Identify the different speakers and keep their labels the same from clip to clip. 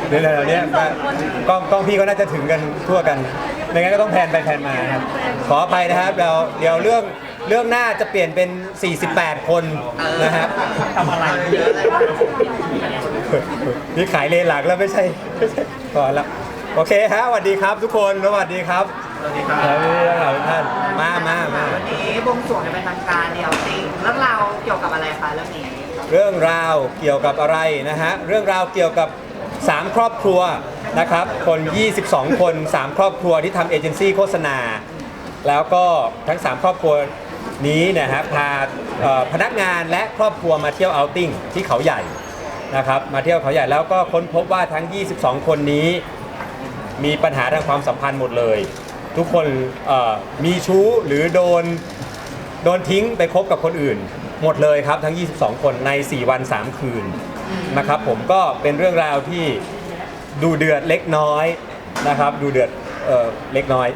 Speaker 1: เรื่องเราเนี้ยกล้องพี่ก็น่าจะถึงกันทั่วกันไม่งั้นก็ต้องแพนไปแพนมาครับขออภัยนะครับเดี๋ยวเรื่องหน้าจะเปลี่ยนเป็น48คนนะครับทำอะไรนี่ขายเลนหลักแล้วไม่ใช่ก่อนแล้วโอเคฮะสวัสดีครับทุกคนสวัสดีครับ
Speaker 2: สวัสดีครับ
Speaker 1: ทุกท่านมา
Speaker 2: วันนี้บวงสรวงเป็นทางการเดียวจริงเรื่องราวเกี่ยวกับอะไรคะเรื่องนี้
Speaker 1: เรื่องราวเกี่ยวกับอะไรนะฮะเรื่องราวเกี่ยวกับ3ครอบครัวนะครับคน22คน3ครอบครัวที่ทำเอเจนซี่โฆษณาแล้วก็ทั้ง3ครอบครัวนี้นะฮะพาพนักงานและครอบครัวมาเที่ยวเอาท์ติ้งที่เขาใหญ่นะครับมาเที่ยวเขาใหญ่แล้วก็ค้นพบว่าทั้ง22คนนี้มีปัญหาทางความสัมพันธ์หมดเลยทุกคนมีชู้หรือโดนทิ้งไปคบกับคนอื่นหมดเลยครับทั้ง22คนใน4วัน3คืนนะครับผมก็เป็นเรื่องราวที่ดูเดือดเล็กน้อยนะครับดูเดือดเล็กน้อย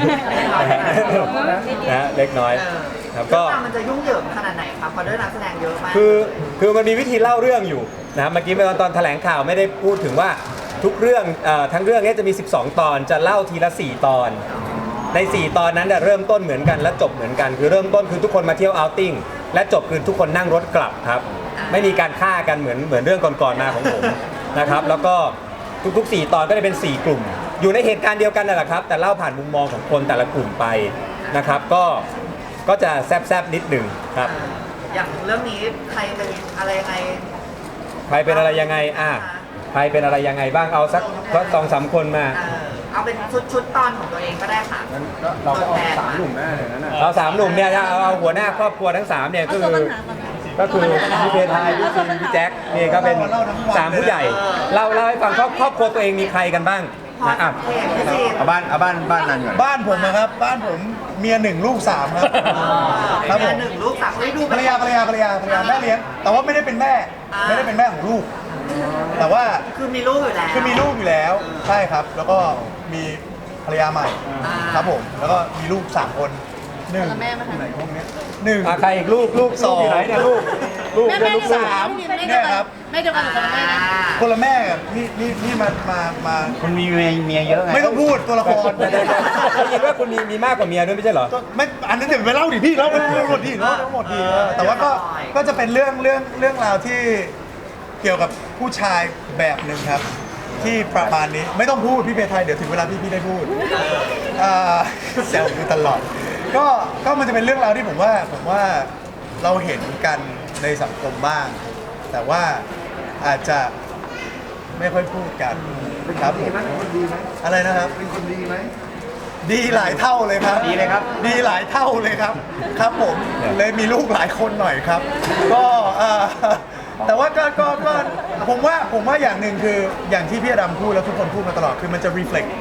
Speaker 1: นะเล็กน้อยครับก็
Speaker 2: มันจะยุ่งเหยิงขนาดไหนครับเพราะด้วยนักแสดงเยอะมาก
Speaker 1: คือมันมีวิธีเล่าเรื่องอยู่นะเมื่อกี้ตอนแถลงข่าวไม่ได้พูดถึงว่าทุกเรื่องทั้งเรื่องนี้จะมี12ตอนจะเล่าทีละ4ตอนใน4ตอนนั้นเริ่มต้นเหมือนกันและจบเหมือนกันคือเริ่มต้นคือทุกคนมาเที่ยวเอาท์ติ้งและจบคือทุกคนนั่งรถกลับครับไม่มีการฆ่ากันเหมือนเรื่องก่อนๆมาของผมนะครับแล้วก็ทุกๆ4ตอนก็จะเป็น4กลุ่มอยู่ในเหตุการณ์เดียวกันนั่นแหละครับแต่เล่าผ่านมุมมองของคนแต่ละกลุ่มไปนะครับก็จะแซบๆนิดหนึ่งครับ
Speaker 2: อย่างเรื่องนี้ใครเป็นอะไรยังไง
Speaker 1: ใครเป็นอะไรยังไงใครเป็นอะไรยังไงบ้างเอาสัก2-3คนมา
Speaker 2: เอาเป็นชุดตอนของตัวเองก็ได้ค่ะ
Speaker 3: เราก็เอา3 หนุ่มแม่เลยนะ
Speaker 1: เอา3 หนุ่มเนี่ยเอาหัวหน้าครอบครัวทั้ง3เนี่ยก็คือพี่เพทายพี่ซินพี่แจ็คนี่ก็เป็น3ผู้ใหญ่เล่าให้ฟังครอบครัวตัวเองมีใครกันบ้างนะ
Speaker 3: เอาบ้านนั้นก่อน
Speaker 4: บ้านผมนะครับบ้านผมเมีย1ลูก3ครับ
Speaker 2: ครับผม1ลูก3ไม่ดู
Speaker 4: ภรรยาแม่เลี้ยงแต่ว่าไม่ได้เป็นแม่ของลูกแต่ว่า
Speaker 2: คือมีลูกอยู่
Speaker 4: แล้วใช่ครับแล้วก็มีภรรยาใหม่ครับผมแล้วก็มีลูก3คน1ไหนพวกนี้
Speaker 1: ใครอีกลูก2อยู่ไหนเนี่ยลูก
Speaker 4: ลูก3เนี่ยครับ
Speaker 5: แม่เดียวกันหรือคนละแม่นะ
Speaker 4: คนละแม่นี่มา
Speaker 3: คุณมีเมียเยอะไง
Speaker 4: ไม่ต้องพูดตัวละคร
Speaker 1: ได้ยินว่าคุณมีมากกว่าเมียด้วยไม่ใช่เหรอ
Speaker 4: ไม่อันนั้นเดี๋ยวไปเล่าดิพี่เล่าหมดดิแต่ว่าก็จะเป็นเรื่องราวที่เกี่ยวกับผู้ชายแบบหนึ่งครับที่ประมาณนี้ไม่ต้องพูดพี่เพทายเดี๋ยวถึงเวลาพี่ได้พูดแซวคือตลอดก็มันจะเป็นเรื่องราวที่ผมว่าเราเห็นกันในสังคมบ้างแต่ว่าอาจจะไม่ค่อยพูดกันครับผมอะไรนะครับ
Speaker 3: เป็นคนดีไหม
Speaker 4: ดีหลายเท่าเลยครับ
Speaker 1: ดีเลยครับ
Speaker 4: ดีหลายเท่าเลยครับครับผมเลยมีลูกหลายคนหน่อยครับก็แต่ว่าก็ผมว่าอย่างหนึ่งคืออย่างที่พี่อดัมพูดแล้วทุกคนพูดมาตลอดคือมันจะ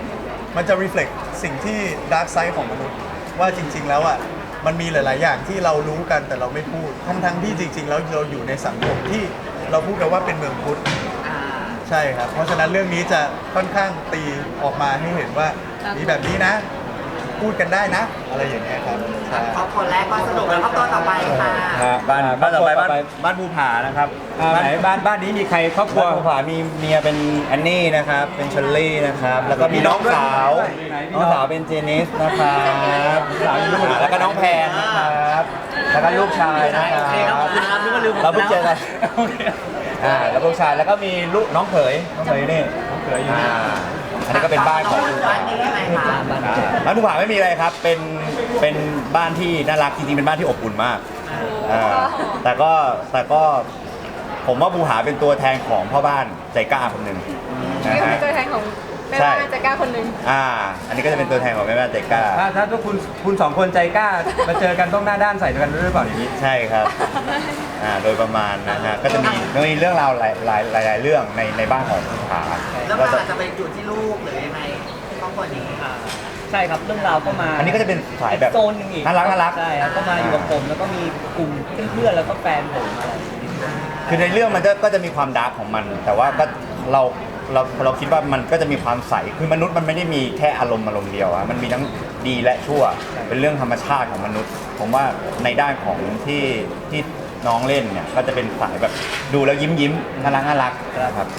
Speaker 4: reflect สิ่งที่ dark side ของมนุษย์ว่าจริงๆแล้วอ่ะมันมีหลายๆอย่างที่เรารู้กันแต่เราไม่พูดทั้งที่จริงๆแล้วเราอยู่ในสังคมที่เราพูดกันว่าเป็นเมืองพุทธใช่ครับเพราะฉะนั้นเรื่องนี้จะค่อนข้างตีออกมาให้เห็นว่ามีแบบนี้นะพูดกันได้นะอะไรอย่างเงี้ยครับ
Speaker 2: ครอบครัวแรกก็สนุกแล้วครอบครัวต่อไปค่ะ
Speaker 3: บ้านต่อไปบ้านภูผานะครับ
Speaker 1: ไหนบ้านนี้มีใครครอบครัว
Speaker 3: ภูผามีเมียเป็นแอนนี่นะครับเป็นเชลลี่นะครับแล้วก็มีน้องสาวเป็นเจนิสนะครับแล้วก็น้องแพนนะครับแล้วก็ลูกชายนะครับเราเพิ่งเจอกันแล้วลูกชายแล้วก็มีลูกน้องเขยนี่น้องเขยอยู่อันนี้ก็เป็นบ้านของ
Speaker 2: บ้านนี้อะไรคะ
Speaker 3: บ้านภูผาไม่มีอะไรครับเป็นบ้านที่น่ารักจริงๆเป็นบ้านที่อบอุ่นมากแต่ก็ผมว่าภูผาเป็นตัวแทนของพ่อบ้านใจกล้าคนหนึ่ง
Speaker 5: นี่คือตัวแทนของแม่บ้านใจกล้าคนหนึ่ง
Speaker 3: อันนี้ก็จะเป็นตัวแทนของแม่บ้านใจกล้า
Speaker 1: ถ้าทุกคุณ2 คนใจกล้ามาเจอกันต้องหน้าด้านใส่กันหรือเปล่าอย่างนี้
Speaker 3: ใช่ครับโดยประมาณนะฮะก็จะมีเรื่องราวหลายเรื่องในบ้านของภูผา
Speaker 2: แล้วมันอาจจะไปอยู่ที่ลูกหรือยังไงครอบครัวนี้
Speaker 6: ใช่ครับเรื่องราวก็มา
Speaker 3: อันนี้ก็จะเป็นสายแบบ
Speaker 6: โซนนึงอีก
Speaker 3: น่ารัก
Speaker 6: ใช่ครับก็มาอยู่กับผมแล้วก็มีกลุ่มเพื่อนๆแล้วก็แฟนผมอะไร
Speaker 3: คือในเรื่องมันก็จะมีความดาร์กของมันแต่ว่าก็เราคิดว่ามันก็จะมีความใสคือมนุษย์มันไม่ได้มีแค่อารมณ์เดียวมันมีทั้งดีและชั่วเป็นเรื่องธรรมชาติของมนุษย์ผมว่าในด้านของที่น้องเล่นเนี่ยก็จะเป็นสายแบบดูแล้วยิ้มน่ารักนะครับ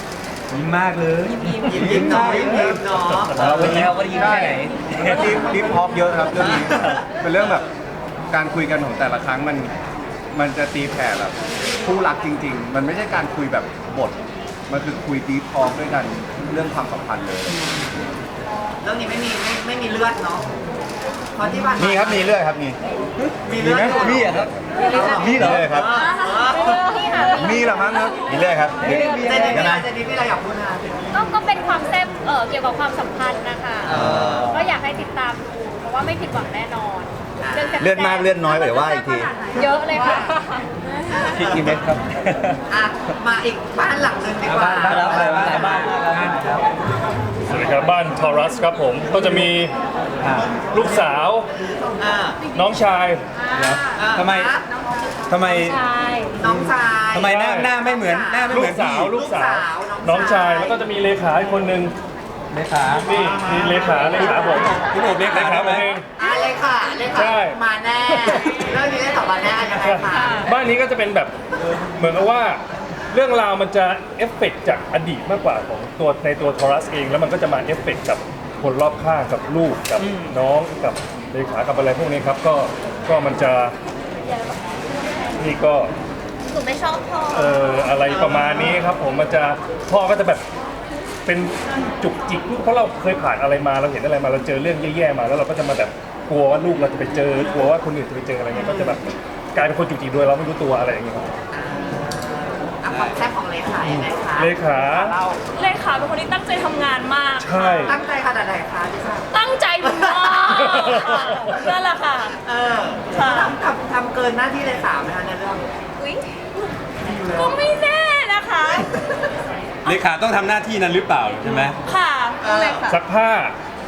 Speaker 1: ยิ้มมากเลย
Speaker 2: ยิ้มเนาะยิ้มเนาะ
Speaker 3: เราเป็นแล้วก็ยิ้มแค่ไหน
Speaker 7: ดิฟฮอปเยอะครับเรื่องนี้ เป็นเรื่องแบบการคุยกันของแต่ละครั้งมันจะตีแผ่แบบคู่รักจริง ๆ มันไม่ใช่การคุยแบบบท มันคือคุยดีทอล์กด้วยกันเรื่องความสัมพันธ์เลย
Speaker 2: เรื่องนี้ไม่มีเลือดเนาะเพราะที่ผ่าน
Speaker 3: มีครับมีเลือดครับมี
Speaker 2: มีเลือด
Speaker 3: มีอะครับมีเหรอเลยครับ
Speaker 7: มีเหรอมั้งครับ
Speaker 3: มีเลือดครับ
Speaker 2: เจนนี่พี่เราอยากพูดนะ
Speaker 5: ก็เป็นความแซ่บเกี่ยวกับความสัมพันธ์นะคะก็อยากให้ติดตามดูเพราะว่าไม่ผิดหวังแน่นอนรื่องแซ่บๆ
Speaker 3: เลือดมากเลือดน้อยเดี๋ยวว่าอีกที
Speaker 5: เยอะเลยค่ะ
Speaker 3: กี่เม็ดครับ
Speaker 2: อ่ะมาอีกบ้านหลังนึงดีกว่า
Speaker 6: บ้านแล้วหลายบ้านมากครับ
Speaker 8: สวัสดีครับบ้านทอรัสครับผมก็จะมีลูกสาว
Speaker 2: อ่า
Speaker 8: น้องชาย
Speaker 1: ทำไม ทำไม
Speaker 5: ใช่
Speaker 2: น้องชาย
Speaker 1: ทำไมหน้าไม่เหมือนหน้าไม่
Speaker 8: ลู
Speaker 1: เหมือก น
Speaker 8: สาว
Speaker 1: พี่
Speaker 8: ลูกสาวน้องชายแล้วก็จะมีเลขาอีกคนนึง
Speaker 1: เลขา
Speaker 8: นี่มีเลขาผม
Speaker 1: พี่โอบเลขา
Speaker 8: ผม
Speaker 1: ไหม
Speaker 8: เอง
Speaker 2: เลยค่ะเลย
Speaker 8: ใช่
Speaker 2: ค่ะมาแน่เรื่องนี้ได้ตอบมาแน่ยังไงคะ
Speaker 8: บ้านนี้ก็จะเป็นแบบเหมือนกับว่าเรื่องราวมันจะเอฟเฟกต์จากอดีตมากกว่าของตัวในตัวทอรัสเองแล้วมันก็จะมาเอฟเฟกต์กับคนรอบข้างกับลูกกับน้องกับเลขากับอะไรพวกนี้ครับก็มันจะนี่ก็
Speaker 5: หนูไม่ชอบพ่อ
Speaker 8: อะไรประมาณนี้ครับผมมันจะพ่อก็จะแบบเป็นจุกจิกเพราะเราเคยผ่านอะไรมาเราเห็นอะไรมาเราเจอเรื่องแย่ๆมาแล้วเราก็จะมาแบบกลัวว่าลูกเราจะไปเจอกลัวว่าคนอื่นจะไปเจออะไรเงี้ยก็จะแบบกลายเป็นคนจุกจิกโดยเราไม่รู้ตัวอะไรอย่างเงี้ยครับ
Speaker 2: อ่ะความแซ่บของเลขายังไงคะ
Speaker 8: เลขา
Speaker 2: เรา
Speaker 9: เลขาเป็นคนที่ตั้งใจทำงานมาก
Speaker 8: ใช่
Speaker 2: ตั้งใจขนาดไหนคะดิฉัน
Speaker 9: ตั้งใจมากนั่นแหละค่ะ
Speaker 2: เออ
Speaker 9: ค่ะ
Speaker 2: ทำเกินหน้าที่เลขาไหมคะในเรื่อง
Speaker 9: อุ๊ยก็ไม่แน่นะคะ
Speaker 1: เลขาต้องทำหน้าที่นั้นหรือเปล่าใช่ไหม
Speaker 9: ค่ะ
Speaker 8: ซักผ้า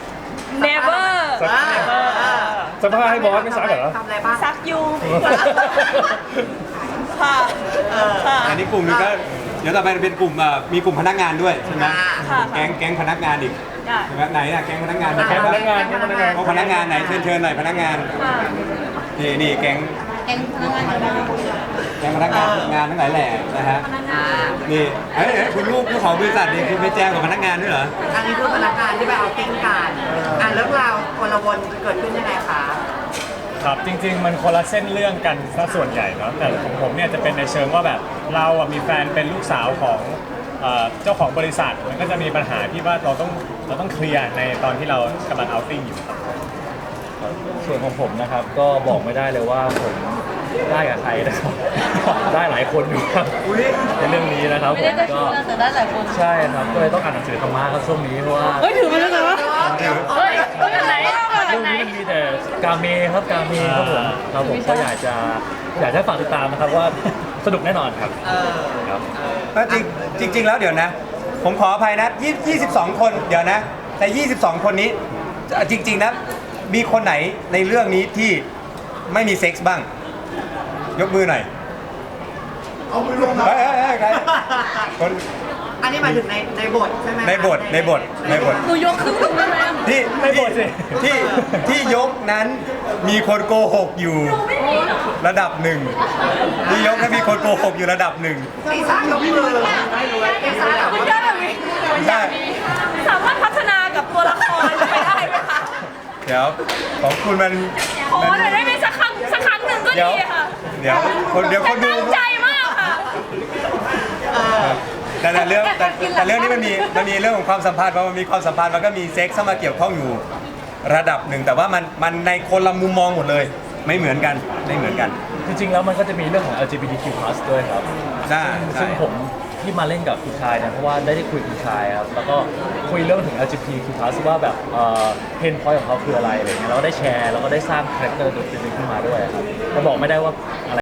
Speaker 9: never
Speaker 8: ซักผ้าให้บอสไม่ซักเหรอ
Speaker 2: ทำอะไรบ้าง
Speaker 9: ซักยูค่ะค่ะ
Speaker 1: อันนี้กลุ่มหนึงก็เดี๋ยวต่อไปเป็นกลุ่มมีกลุ่มพนักงานด้วยใช่ไหม
Speaker 9: ค่ะ
Speaker 1: แก๊งพนักงานอีก
Speaker 9: ได้
Speaker 1: ใช่ไหมไหนอะแก๊งพนักงาน
Speaker 8: แก๊งพนักงาน
Speaker 1: โอ้พนักงานไหนเชิญหน่อยพนักงาน
Speaker 9: ค่ะ
Speaker 1: นี่แก๊งพนักงานฝึกงานทั้งหลายแหล่นะฮะ
Speaker 2: อ่า
Speaker 1: นี่เอ้ยคุณลูกของบริษัทนี่คุณไปแจ้งกับพนักงานด้วยเหรอ
Speaker 2: อันนี้คือพนักงานที่ไปเอาติ้งกันอ่ะเรื่องราวคนละวนเกิดขึ้นยังไงคะ
Speaker 10: ครับจริงๆมันคนละเส้นเรื่องกันซะส่วนใหญ่เนาะแต่ของผมเนี่ยจะเป็นในเชิงว่าแบบเราอ่ะมีแฟนเป็นลูกสาวของเจ้าของบริษัทมันก็จะมีปัญหาที่ว่าเราต้องเคลียร์ในตอนที่เรากำลังเอาติ้งอยู่ครับ
Speaker 6: ส่วนของผมนะครับก็บอกไม่ได้เลยว่าผมได้กับใครนะครับ ได้หลายคนอยู่ครับในเรื่องนี้นะครับผมก็ได้หลายคนใช่ครับก็เลยต้องอ่านหนังสือธรรมะครับช่วงนี้เพราะว่า
Speaker 9: เฮ้ยถือมาแล้วเหรอ
Speaker 5: เฮ้ยคนไหนคน
Speaker 10: เรื่อง
Speaker 5: ไหน
Speaker 10: นี้มันมีแต่กาเมครับกาเมครับผมก็อยากให้ฝากติดตามนะครับว่าสนุกแน่นอนครับ ครับ
Speaker 1: จริงแล้วเดี๋ยวนะ ผมขออภัยนะ22 คนเดี๋ยวนะใน22 คนนี้จริงๆนะมีคนไหนในเรื่องนี้ที่ไม่มีเซ็กส์บ้าง ยกมือหน่อย
Speaker 4: เอามือลงมา
Speaker 1: เฮ้ยใครคน
Speaker 2: อันนี้หมายถึงในบทใช่ไหมคะ
Speaker 1: ในบท
Speaker 9: หนูยกขึ้นได้ไหม
Speaker 1: ที่ยกนั้นมีคนโกหกอยู่ระดับหนึ่งที่ยกนั้นมีคนโกหกอยู่ระดับหนึ่ง
Speaker 2: ตีซ่ายกมือตีซ่าแบบ
Speaker 9: มันได้แบบนี้
Speaker 1: ใช่
Speaker 9: สามารถพัฒนากับตัวละครไปได้ไหมคะ
Speaker 1: เดี๋ยวของคุณมัน
Speaker 9: ขอหน่อยได้ไหมสักครั้งหนึ่งก็
Speaker 1: เดี๋ยว
Speaker 9: ดีค่ะ
Speaker 1: เดี๋ยวคนดู
Speaker 9: ตั้งใจมากค่ะ
Speaker 1: แต่เรื่องนี้มันมีเรื่องของความสัมพันธ์เพราะมันมีความสัมพันธ์มันก็มีเซ็กซ์เข้ามาเกี่ยวข้องอยู่ระดับหนึ่งแต่ว่ามันในคนละมุมมองหมดเลยไม่เหมือนกัน
Speaker 10: จริงๆแล้วมันก็จะมีเรื่องของ LGBTQ+ ด้วยครับ
Speaker 1: ใช่
Speaker 10: ซึ่งผมที่มาเล่นกับคุณชายเนี่ยเพราะว่าได้คุยกับคุณชายครับแล้วก็คุยเรื่องถึง LGBTQ+ ว่าแบบเพนพอยต์ของเขาคืออะไรอะไรเงี้ยเราก็ได้แชร์แล้วก็ได้สร้างคาแรคเตอร์ตัวจริงขึ้นมาด้วยครับแต่บอกไม่ได้ว่าอะไร